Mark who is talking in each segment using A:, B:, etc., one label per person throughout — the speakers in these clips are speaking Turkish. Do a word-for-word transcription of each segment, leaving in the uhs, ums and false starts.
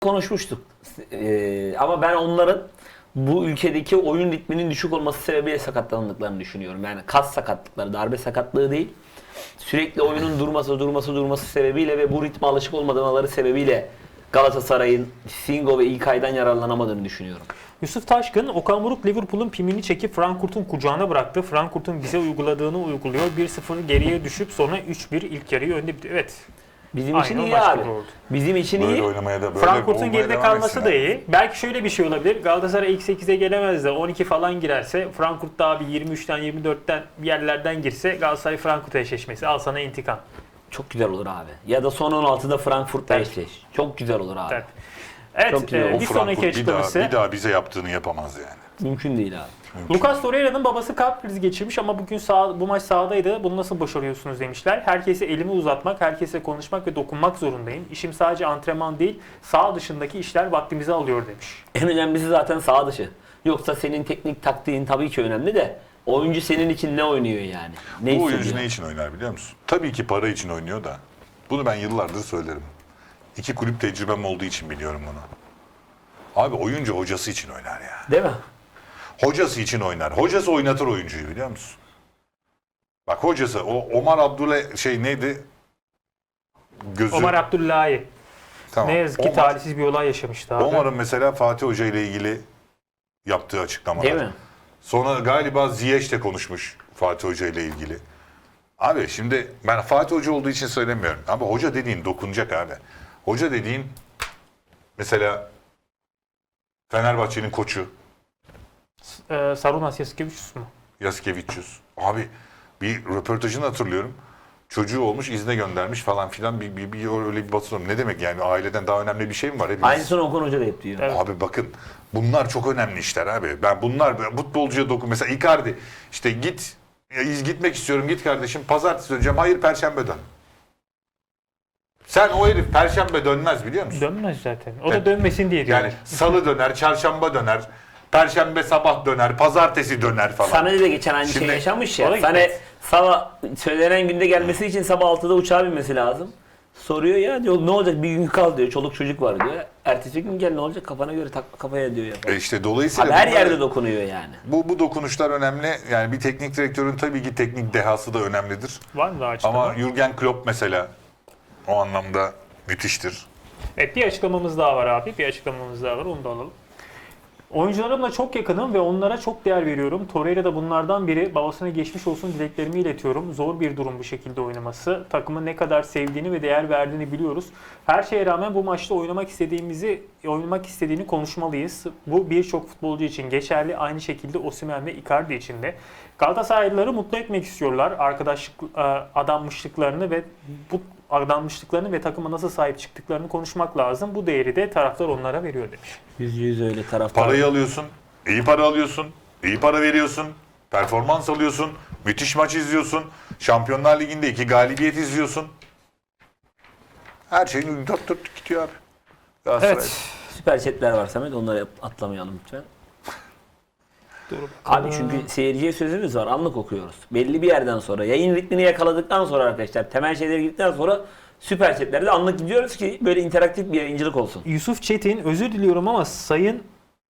A: konuşmuştuk. Ee, ama ben onların bu ülkedeki oyun ritminin düşük olması sebebiyle sakatlandıklarını düşünüyorum. Yani kas sakatlıkları, darbe sakatlığı değil. Sürekli oyunun durması, durması, durması sebebiyle ve bu ritme alışık olmadıkları sebebiyle Galatasaray'ın Singo ve İlkay'dan yararlanamadığını düşünüyorum.
B: Yusuf Taşkın, Okan Buruk Liverpool'un pimini çekip Frankfurt'un kucağına bıraktı. Frankfurt'un bize uyguladığını uyguluyor. bir sıfır geriye düşüp sonra üç bir ilk yarıyı önde bitti. Evet.
A: Bizim
B: Aynen
A: için
B: o
A: iyi
B: maç
A: abi.
B: gibi oldu.
A: Bizim için
C: Böyle
A: iyi.
C: oynamaya da böyle
B: Frankfurt'un
C: olmaya
B: geride
C: devam
B: kalması
C: etsin
B: da
C: abi.
B: iyi. Belki şöyle bir şey olabilir. Galatasaray ilk sekize gelemez de on iki falan girerse, Frankfurt daha bir yirmi üçten yirmi dörtten bir yerlerden girse Galatasaray Frankfurt eşleşmesi. Al sana intikam.
A: Çok güzel olur abi. Ya da son on altıda Frankfurt'la eşleş. Çok güzel olur abi.
B: Evet. Evet,
A: Çok güzel.
B: e,
A: O
B: bir
C: Frankfurt
B: sonraki
C: bir daha,
B: açıklaması.
C: bir daha bize yaptığını yapamaz yani.
A: Mümkün değil abi.
B: Lucas Torreira'nın babası kalp krizi geçirmiş ama bugün sağ, bu maç sahadaydı. Bunu nasıl başarıyorsunuz demişler. Herkese elimi uzatmak, herkese konuşmak ve dokunmak zorundayım. İşim sadece antrenman değil, sağ dışındaki işler vaktimizi alıyor demiş.
A: En önemlisi zaten sağ dışı. Yoksa senin teknik taktiğin tabii ki önemli de oyuncu senin için ne oynuyor yani? Ne
C: Bu oyuncu
A: hissediyor?
C: ne için oynar biliyor musun? Tabii ki para için oynuyor da. Bunu ben yıllardır söylerim. İki kulüp tecrübem olduğu için biliyorum bunu. Abi oyuncu hocası için oynar ya.
A: Değil mi?
C: Hocası için oynar. Hocası oynatır oyuncuyu biliyor musun? Bak hocası o Omar Abdullah şey neydi? Gözü.
B: Omar Abdullahi.
C: Tamam.
B: Ne yazık ki
C: Omar-
B: talihsiz bir olay yaşamıştı abi.
C: Omar'ın mesela Fatih Hoca ile ilgili yaptığı açıklamalar.
A: Değil mi?
C: Sonra galiba Ziyech de konuşmuş Fatih Hoca ile ilgili. Abi şimdi ben Fatih Hoca olduğu için söylemiyorum. Ama hoca dediğin dokunacak abi. Hoca dediğin mesela Fenerbahçe'nin koçu
B: Ee, Sarunas Yasikevicius mu?
C: Yasikevicius. Abi bir röportajını hatırlıyorum. Çocuğu olmuş izne göndermiş falan filan bir, bir, bir öyle bir basın. Ne demek yani aileden daha önemli bir şey mi var? Hepimiz...
A: Aynısını Okan Hoca da hep diyor.
B: Evet.
C: Abi bakın bunlar çok önemli işler abi. Ben bunlar futbolcuya dokun. Mesela Icardi işte git ya, iz gitmek istiyorum git kardeşim pazartesi döneceğim. Hayır perşembe dön. Sen o herif perşembe dönmez biliyor musun?
B: Dönmez zaten. O da
C: Evet.
B: dönmesin diye diyor.
C: Yani salı döner, çarşamba döner, perşembe sabah döner, pazartesi döner falan.
A: Sané de geçen aynı
C: Şimdi-
A: şey yaşamış
B: O
A: ya.
B: da
A: Sané
B: gitmez.
A: sabah söylenen günde gelmesi için sabah altıda uçağa binmesi lazım. Soruyor ya diyor ne olacak bir gün kal diyor. Çoluk çocuk var diyor. Ertesi gün gel ne olacak kafana göre tak kafaya diyor ya.
C: E işte dolayısıyla
A: Abi her
C: bunlar-
A: yerde dokunuyor yani.
C: bu, bu dokunuşlar önemli. Yani bir teknik direktörün tabii ki teknik dehası da önemlidir.
B: Var mı daha açıklama?
C: Ama Jürgen Klopp mesela o anlamda müthiştir.
B: Evet, bir açıklamamız daha var abi. Bir açıklamamız daha var. Onu da alalım. Oyuncularımla çok yakınım ve onlara çok değer veriyorum. Torreira da bunlardan biri. Babasına geçmiş olsun dileklerimi iletiyorum. Zor bir durum bu şekilde oynaması. Takımı ne kadar sevdiğini ve değer verdiğini biliyoruz. Her şeye rağmen bu maçta oynamak istediğimizi, oynamak istediğini konuşmalıyız. Bu birçok futbolcu için geçerli. Aynı şekilde Osimhen ve Icardi için de. Galatasaraylıları mutlu etmek istiyorlar. Arkadaşlık, adanmışlıklarını ve bu adanmışlıklarını ve takıma nasıl sahip çıktıklarını konuşmak lazım. Bu değeri de taraftar onlara veriyor demiş.
A: Yüzde yüz öyle taraftar.
C: Parayı alıyorsun, iyi para alıyorsun, iyi para veriyorsun, performans alıyorsun, müthiş maç izliyorsun, Şampiyonlar Ligi'nde iki galibiyet izliyorsun. Her şeyin dört dört gidiyor abi. Galatasaray.
B: Evet.
A: Süper chatler var Samet onları atlamayalım lütfen.
B: Doğru.
A: Abi çünkü seyirciye sözümüz var. Anlık okuyoruz. Belli bir yerden sonra yayın ritmini yakaladıktan sonra arkadaşlar temel şeyleri gittikten sonra süper chatlerde anlık gidiyoruz ki böyle interaktif bir yayıncılık olsun.
B: Yusuf Çetin, özür diliyorum ama sayın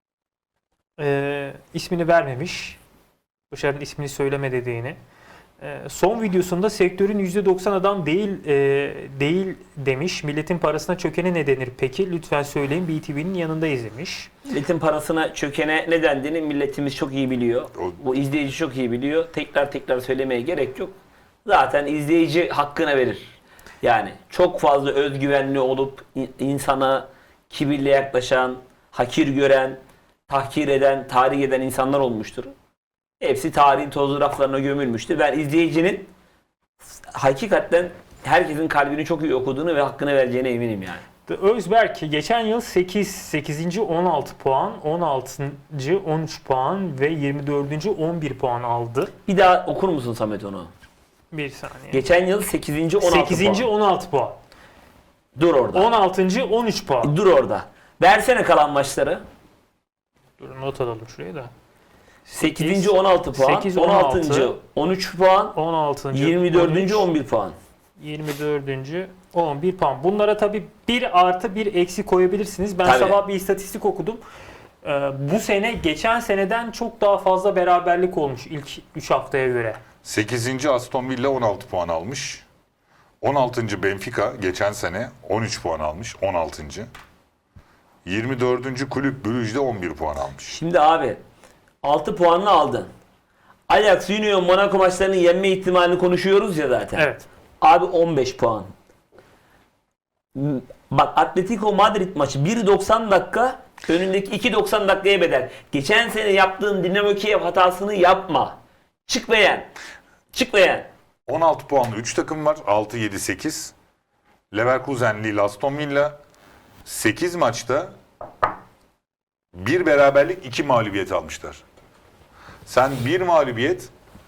B: e, ismini vermemiş. Başarı'nın ismini söyleme dediğini. E, son videosunda sektörün yüzde doksan adam değil e, değil demiş. Milletin parasına çökene ne denir peki? Lütfen söyleyin, B T V'nin yanındayız demiş.
A: Milletin parasına çökene ne dendiğini milletimiz çok iyi biliyor.
C: O-
A: Bu izleyici çok iyi biliyor. Tekrar tekrar söylemeye gerek yok. Zaten izleyici hakkını verir. Yani çok fazla özgüvenli olup in- insana kibirle yaklaşan, hakir gören, tahkir eden, tahrik eden insanlar olmuştur. Hepsi tarihin tozlu raflarına gömülmüştür. Ben izleyicinin hakikaten herkesin kalbini çok iyi okuduğunu ve hakkını vereceğine eminim yani.
B: Özberk geçen yıl sekiz, sekizinci on altı puan, on altıncı on üç puan ve yirmi dördüncü on bir puan aldı.
A: Bir daha okur musun Samet onu?
B: Bir saniye.
A: Geçen yıl sekizinci on altı
B: sekizinci
A: puan.
B: on altı puan.
A: Dur orada.
B: on altıncı on üç puan.
A: Dur orada. Versene kalan maçları.
B: Dur not alalım şuraya da.
A: sekizinci on altı puan,
B: sekiz,
A: on
B: on altı,
A: altıncı on üç puan,
B: on altıncı
A: yirmi dördüncü
B: on üç,
A: on bir puan.
B: yirmi dördüncü on bir puan. Bunlara tabii bir artı bir eksi koyabilirsiniz. Ben
A: Tabii.
B: sabah bir istatistik okudum. Ee, bu sene geçen seneden çok daha fazla beraberlik olmuş ilk üç haftaya göre.
C: sekizinci Aston Villa on altı puan almış. on altıncı Benfica geçen sene on üç puan almış. on altıncı yirmi dördüncü Kulüp Brugge de on bir puan almış.
A: Şimdi abi altı puanını aldın. Ajax, Union, Monaco maçlarının yenme ihtimalini konuşuyoruz ya zaten.
B: Evet.
A: Abi on beş puan. Bak Atletico Madrid maçı bir doksan dakika önündeki iki doksan dakikaya bedel. Geçen sene yaptığın Dinamo Kiev hatasını yapma. Çık ve yen. Çık ve yen.
C: on altı puanlı üç takım var. altı yedi sekiz. Leverkusen, Lille, Aston Villa sekiz maçta bir beraberlik iki mağlubiyet almışlar. Sen bir mağlubiyet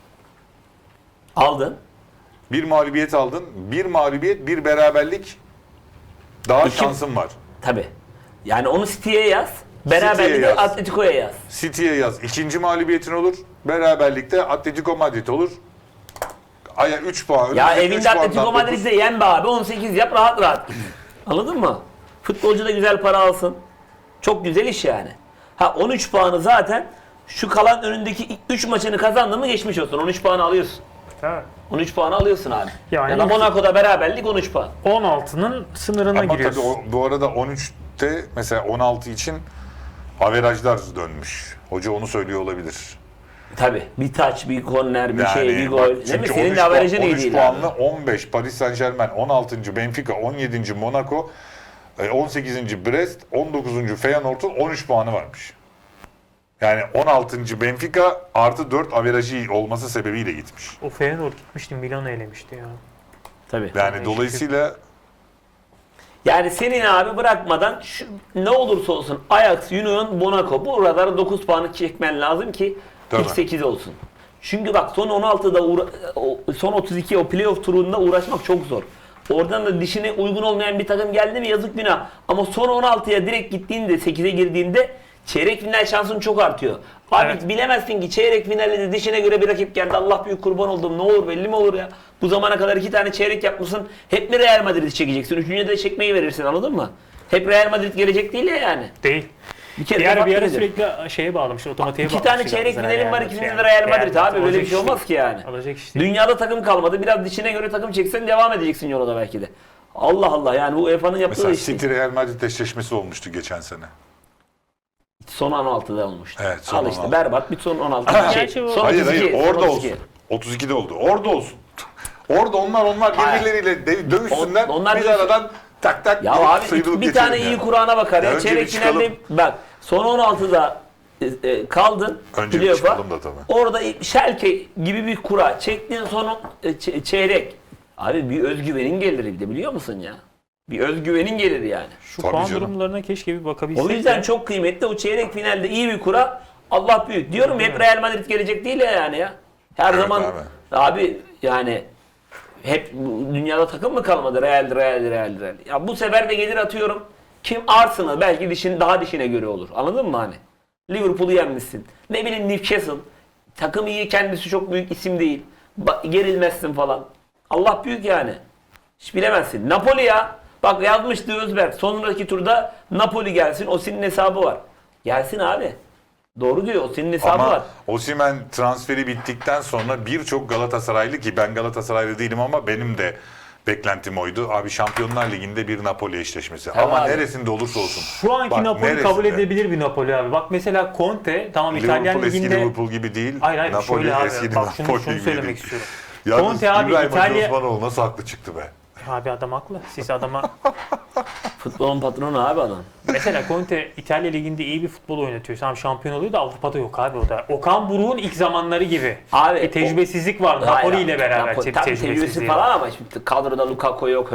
A: Aldın.
C: bir mağlubiyet aldın. Bir mağlubiyet, bir beraberlik daha
A: İki-
C: şansın var.
A: Tabi. Yani onu City'ye yaz. Beraberliği de
C: yaz.
A: Atletico'ya yaz.
C: City'ye yaz. İkinci mağlubiyetin olur. Beraberlikte Atletico Madrid olur. Aya üç puan.
A: Ya
C: önümüzdeki üç
A: evinde
C: puandan
A: Atletico
C: dokuz.
A: Madrid'de yen be abi. on sekiz yap rahat rahat. Anladın mı? Futbolcu da güzel para alsın. Çok güzel iş yani. Ha on üç puanı zaten şu kalan önündeki üç maçını kazandın mı geçmiş olsun. on üç puanı alıyorsun.
B: Evet.
A: on üç puanı alıyorsun abi.
B: Yani
A: Ya da
B: ilk-
A: Monaco'da beraberlik on üç puan.
B: on altının sınırına
C: Ama
B: giriyorsun.
C: tabii o, bu arada on üçte mesela on altı için averajlar dönmüş. Hoca onu söylüyor olabilir.
A: Tabi. Bir taç, bir korner, bir şey, bir
C: bak,
A: gol. Değil mi?
C: çünkü
A: Senin
C: on üç
A: de averajın
C: puan-
A: iyi
C: on üç
A: değil
C: puanlı
A: abi.
C: on beş Paris Saint Germain, on altıncı Benfica, on yedinci Monaco, e, on sekizinci Brest, on dokuzuncu Feyenoord'un on üç puanı varmış. Yani on altıncı Benfica artı dört averajı olması sebebiyle gitmiş.
B: O Feyenoord gitmişti, Milan'ı elemişti ya.
A: Tabii.
C: Yani
B: Yani
C: dolayısıyla
A: Yani senin abi bırakmadan şu, ne olursa olsun Ajax, Union, Monaco buralara dokuz puanı çekmen lazım ki
C: Tabii.
A: ilk sekiz olsun. Çünkü bak son on altıda uğra- o- son otuz iki o playoff turunda uğraşmak çok zor. Oradan da dişine uygun olmayan bir takım geldi mi yazık günah. Ama son on altıya direkt gittiğinde sekize girdiğinde çeyrek final şansın çok artıyor. Abi
B: Evet.
A: bilemezsin ki çeyrek finalde de dişine göre bir rakip geldi. Allah büyük kurban oldum. Ne olur belli mi olur ya? Bu zamana kadar iki tane çeyrek yapmışsın. Hep mi Real Madrid'i çekeceksin? Üçüncüde de çekmeyi verirsin anladın mı? Hep Real Madrid gelecek değil ya yani.
B: Değil.
A: Bir kere
B: Bir
A: de
B: ara bir ara
A: farklı nedir?
B: sürekli şeye bağlamışlar, otomatiğe
A: İki
B: bağlamışlar.
A: tane çeyrek
B: Zaten
A: finalim var,
B: Real
A: ikisinde
B: Madrid
A: de Real Madrid
B: Real
A: abi. Böyle bir
B: alacak
A: şey
B: iş
A: olmaz
B: değil.
A: ki yani.
B: Alacak iş değil.
A: Dünyada takım kalmadı. Biraz dişine göre takım çeksen devam edeceksin yola da belki de. Allah Allah yani bu U E F A'nın yaptığı
C: mesela
A: iş değil.
C: City Real Madrid eşleşmesi olmuştu geçen sene.
A: Son on altıda olmuştu.
C: Evet, son
A: Al işte
C: on altı.
A: berbat bir son on altı. şey,
B: Gerçi bu-
A: son
C: Hayır
A: otuz iki,
C: hayır
A: son
C: orada
A: otuz
C: olsun.
A: iki.
C: otuz ikide oldu. Orada olsun. Orada onlar onlar
A: Hayır.
C: birbirleriyle de- dövüşsünler.
A: On- onlar
C: biz
A: dövüşsün.
C: aradan tak tak
A: Ya
C: bir
A: abi
C: sıyrılıp
A: bir tane
C: geçelim
A: iyi
C: yani.
A: Kur'an'a bakar ya.
C: Ya önce
A: Çeyrek
C: bir çıkalım.
A: finalde bak son on altıda e, e, kaldın.
C: Önce bir
A: playoff'a.
C: çıkalım da tabii.
A: Orada Schalke gibi bir kura çektiğin son e, ç- çeyrek. Abi bir özgüvenin gelir bir de biliyor musun ya? Bir özgüvenin gelir yani.
B: Şu
C: Tabii
B: puan
C: canım.
B: durumlarına keşke bir bakabilsek.
A: O yüzden
B: de.
A: çok kıymetli. O çeyrek finalde iyi bir kura. Allah büyük. Diyorum hep Real Madrid gelecek değil ya yani ya. Her
C: Evet
A: zaman
C: abi.
A: abi. yani hep bu dünyada takım mı kalmadı? Real, Real, Real, Real. Ya bu sefer de gelir atıyorum. Kim Arsenal belki dişin daha dişine göre olur. Anladın mı hani? Liverpool'u yenmişsin. Ne bileyim Newcastle. Takım iyi kendisi çok büyük isim değil. Ba- gerilmezsin falan. Allah büyük yani. Hiç bilemezsin. Napoli ya. Bak yazmıştı Özberk. Sonraki turda Napoli gelsin. O senin hesabı var. Gelsin abi. Doğru diyor. O senin hesabı var.
C: Ama Osimhen transferi bittikten sonra birçok Galatasaraylı ki ben Galatasaraylı değilim ama benim de beklentim oydu. Abi Şampiyonlar Ligi'nde bir Napoli eşleşmesi.
A: Tabii
C: ama
A: abi.
C: neresinde olursa olsun.
B: Şu anki
C: Bak,
B: Napoli
C: neresinde?
B: kabul edilebilir bir Napoli abi. Bak mesela Conte tamam İtalyan
C: Liverpool eski
B: liginde.
C: Liverpool gibi değil.
B: Hayır hayır
C: Napoli
B: şöyle abi.
C: eski
B: Bak şunu,
C: Napoli
B: şunu
C: gibi
B: söylemek
C: değil.
B: istiyorum.
C: Yalnız
B: Conte abi
C: İbrahim Hacı
B: İtalya-
C: Osmanoğlu nasıl haklı çıktı be.
B: Abi adam haklı. Siz adama
A: Futbolun patronu abi adam.
B: mesela Conte İtalya liginde iyi bir futbol oynatıyor. Tamam şampiyon oluyor da Avrupa'da yok abi o da. Okan Buruk'un ilk zamanları gibi.
A: Abi
B: Bir tecrübesizlik var.
A: Hayır
B: Napoli
A: abi,
B: ile beraber
A: Napoli-
B: te-
A: tabii
B: tecrübesizliği
A: tecrübesi
B: var.
A: falan ama şimdi kadroda Lukaku yok,